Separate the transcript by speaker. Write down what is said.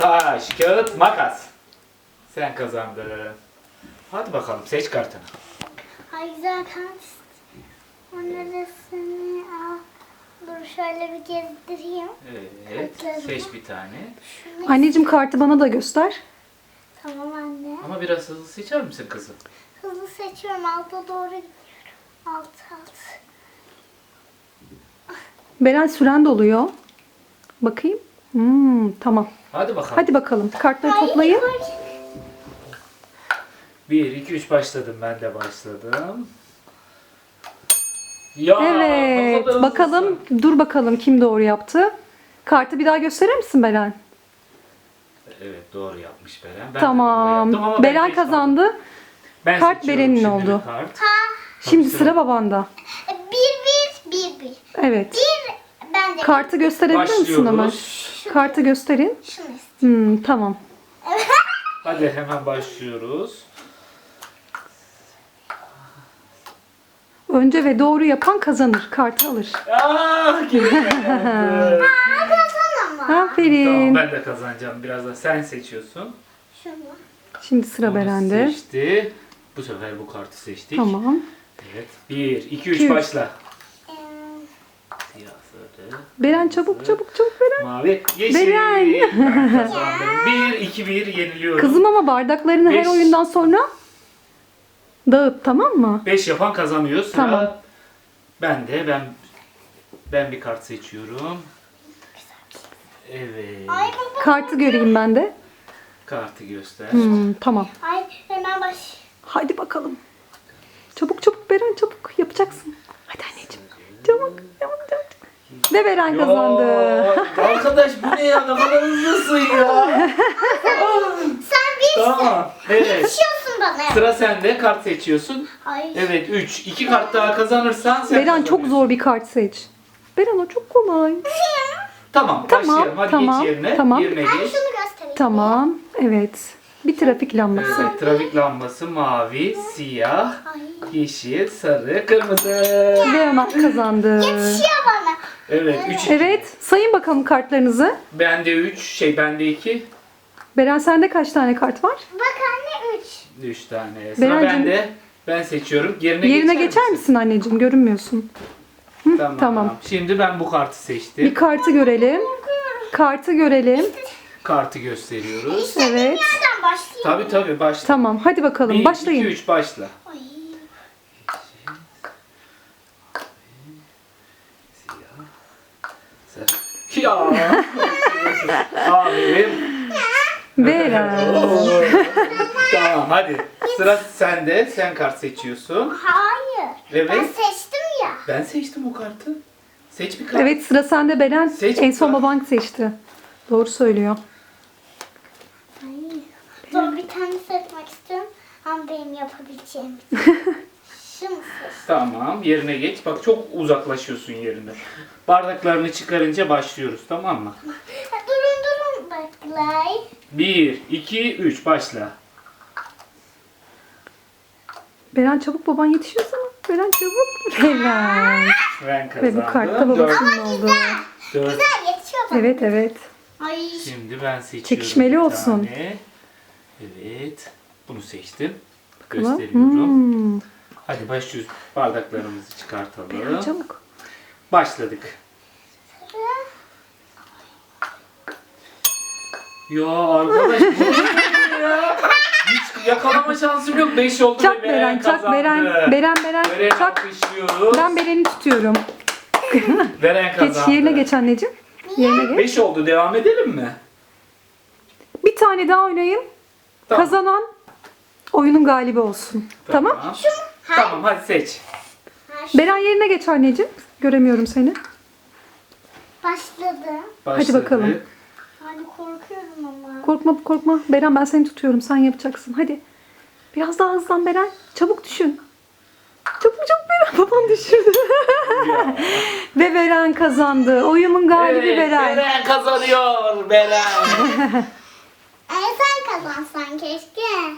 Speaker 1: Taş, kağıt, makas. Sen kazandın. Hadi bakalım seç kartını.
Speaker 2: Ay güzel kart. Neresini al. Dur şöyle bir gezdireyim.
Speaker 1: Evet,
Speaker 2: Kartlarımı.
Speaker 1: seç bir tane.
Speaker 3: Anneciğim kartı bana da göster.
Speaker 2: Tamam anne.
Speaker 1: Ama biraz hızlı seçer misin kızım?
Speaker 2: Hızlı seçiyorum. Alta doğru gidiyorum. Alt.
Speaker 3: Beren süren doluyor. Bakayım. Tamam.
Speaker 1: Hadi bakalım.
Speaker 3: Hadi bakalım. Kartları toplayın.
Speaker 1: 1, 2, 3 başladım. Ben de başladım. Ya,
Speaker 3: Evet.
Speaker 1: ne kadar
Speaker 3: Bakalım.
Speaker 1: hızlısın.
Speaker 3: Dur bakalım kim doğru yaptı. Kartı bir daha gösterir misin Beren?
Speaker 1: Evet, doğru yapmış Beren. Ben de doğru yaptım
Speaker 3: Tamam.
Speaker 1: ama ben
Speaker 3: Beren
Speaker 1: geç kaldım.
Speaker 3: kazandı.
Speaker 1: Ben
Speaker 3: Kart
Speaker 1: seçiyorum
Speaker 3: Beren'in
Speaker 1: şimdi
Speaker 3: oldu.
Speaker 1: bir kart.
Speaker 3: Şimdi
Speaker 1: sıra-
Speaker 3: sıra babanda.
Speaker 2: Bir.
Speaker 3: Evet.
Speaker 2: Ben de
Speaker 3: Kartı gösterebilir misin Ömer?
Speaker 1: Başlıyoruz.
Speaker 3: Kartı gösterin.
Speaker 2: şunu istiyorum.
Speaker 3: Tamam.
Speaker 1: Hadi hemen başlıyoruz.
Speaker 3: Önce ve doğru yapan kazanır. Kartı alır.
Speaker 1: Geri kazandım.
Speaker 2: Kazanama.
Speaker 3: Aferin.
Speaker 1: Tamam, ben de kazanacağım. Biraz da sen seçiyorsun.
Speaker 2: Şunu.
Speaker 3: Şimdi sıra
Speaker 1: Onu
Speaker 3: Beren'de.
Speaker 1: seçti. Bu sefer bu kartı seçtik.
Speaker 3: Tamam.
Speaker 1: Evet. 1, 2, 3
Speaker 3: İki, üç.
Speaker 1: başla.
Speaker 2: Ee,
Speaker 1: Siyah, sarı,
Speaker 3: Beren çabuk Beren.
Speaker 1: mavi, yeşil.
Speaker 3: Beren.
Speaker 1: Ben kazandım. 1, 2, 1 yeniliyorum.
Speaker 3: Kızım ama bardaklarını her
Speaker 1: Beş.
Speaker 3: oyundan sonra dağıt, tamam mı?
Speaker 1: 5 yapan kazanıyor. Sıra
Speaker 3: Tamam.
Speaker 1: ben bir kart seçiyorum. Evet.
Speaker 2: Ay baba.
Speaker 3: Kartı göreyim ben de.
Speaker 1: Kartı göster.
Speaker 3: Tamam.
Speaker 2: Ay hemen baş.
Speaker 3: Hadi bakalım. Çabuk Beren çabuk yapacaksın. Hadi anneciğim. Çabuk. Ve Beren kazandı.
Speaker 1: Ya, arkadaş bu ne ya? Ne kadar hızlısın ya.
Speaker 2: Sen bir
Speaker 1: Tamam. Evet.
Speaker 2: seçiyorsun bana.
Speaker 1: Sıra sende. Kart seçiyorsun.
Speaker 2: Ay.
Speaker 1: Evet 3. 2 kart daha kazanırsan sen
Speaker 3: Beren çok
Speaker 1: kazanıyorsun.
Speaker 3: zor bir kart seç. Beren o çok kolay.
Speaker 1: Tamam,
Speaker 3: Tamam,
Speaker 1: başlayalım. Hadi
Speaker 3: tamam,
Speaker 1: geç yerine.
Speaker 3: tamam.
Speaker 1: Yerine
Speaker 2: Ben
Speaker 1: geç.
Speaker 2: şunu göstereyim.
Speaker 3: Tamam. Evet. Bir trafik lambası.
Speaker 1: Evet, trafik lambası mavi, siyah,
Speaker 2: Ay.
Speaker 1: yeşil, sarı, kırmızı.
Speaker 3: Ve Ömer kazandı.
Speaker 2: Yetişiyor bana.
Speaker 1: Evet 3.
Speaker 3: Evet. Sayın bakalım kartlarınızı.
Speaker 1: Bende 3, bende 2.
Speaker 3: Beren sende kaç tane kart var?
Speaker 2: Bak anne 3.
Speaker 1: 3 tane. Sıra
Speaker 3: Berencim.
Speaker 1: bende. Ben seçiyorum. Yerine
Speaker 3: Geçer misin anneciğim? Görünmüyorsun.
Speaker 1: Tamam.
Speaker 3: tamam.
Speaker 1: Şimdi ben bu kartı seçtim.
Speaker 3: Bir kartı görelim. Kartı görelim.
Speaker 1: Kartı gösteriyoruz.
Speaker 3: Evet.
Speaker 2: Nereden başlayayım?
Speaker 1: Tabii başla.
Speaker 3: Tamam. Hadi bakalım.
Speaker 1: 1,
Speaker 3: Başlayın.
Speaker 1: 2, 3 başla.
Speaker 2: Ay.
Speaker 1: Sarı. Ya. Aferin.
Speaker 3: Beren.
Speaker 1: Tamam hadi. Sıra sende. Sen kart seçiyorsun.
Speaker 2: Hayır.
Speaker 1: Evet.
Speaker 2: Ben seçtim ya.
Speaker 1: Ben seçtim o kartı. Seç bir kart.
Speaker 3: Evet sıra sende Beren.
Speaker 1: Seç
Speaker 3: En son
Speaker 1: bakalım.
Speaker 3: baban seçti. Doğru söylüyor.
Speaker 2: Ay. Dur bir tane seçmek istiyorum. Ama benim yapabileceğim. Şunu seç.
Speaker 1: Tamam yerine geç. Bak çok uzaklaşıyorsun yerine. Bardaklarını çıkarınca başlıyoruz tamam mı?
Speaker 2: Ha, durun baklay.
Speaker 1: 1, 2, 3 başla.
Speaker 3: Beren çabuk baban yetişiyor sana. Beren çabuk. Beren.
Speaker 1: Ben kazandım.
Speaker 3: Ve bu kartta babasının oldu.
Speaker 1: 4.
Speaker 2: Güzel yetişiyor bana.
Speaker 3: Evet.
Speaker 2: Ay.
Speaker 1: Şimdi ben seçiyorum.
Speaker 3: Çekişmeli
Speaker 1: bir
Speaker 3: olsun.
Speaker 1: tane. Evet. Bunu seçtim.
Speaker 3: Bakalım.
Speaker 1: Gösteriyorum. Hadi başlıyoruz. Bardaklarımızı çıkartalım.
Speaker 3: Beren çabuk.
Speaker 1: Başladık. Ya arkadaş bu ne ya? Hiç yakalama şansım yok. 5 oldu
Speaker 3: Çak
Speaker 1: ve
Speaker 3: Beren, çak
Speaker 1: kazandı.
Speaker 3: Beren. Beren,
Speaker 1: Beren'i
Speaker 3: çak.
Speaker 1: alkışlıyoruz.
Speaker 3: Ben Beren'i tutuyorum.
Speaker 1: Beren
Speaker 3: Geç
Speaker 1: kazandı.
Speaker 3: yerine geç anneciğim. Yerine geç.
Speaker 1: 5 oldu. Devam edelim mi?
Speaker 3: Bir tane daha oynayın.
Speaker 1: Tamam.
Speaker 3: Kazanan oyunun galibi olsun. Tamam.
Speaker 1: Tamam hadi seç.
Speaker 3: Beren yerine geç anneciğim. Göremiyorum seni.
Speaker 2: Başladı.
Speaker 1: Başladık.
Speaker 3: bakalım.
Speaker 2: Hani korkuyorum ama.
Speaker 3: Korkma. Beren ben seni tutuyorum. Sen yapacaksın. Hadi. Biraz daha hızlan Beren. Çabuk düşün. Çabuk Beren. Baban düşürdü. Ve Beren kazandı. Oyunun galibi
Speaker 1: Evet,
Speaker 3: Beren.
Speaker 1: Beren kazanıyor. Beren.
Speaker 2: Sen kazansan keşke.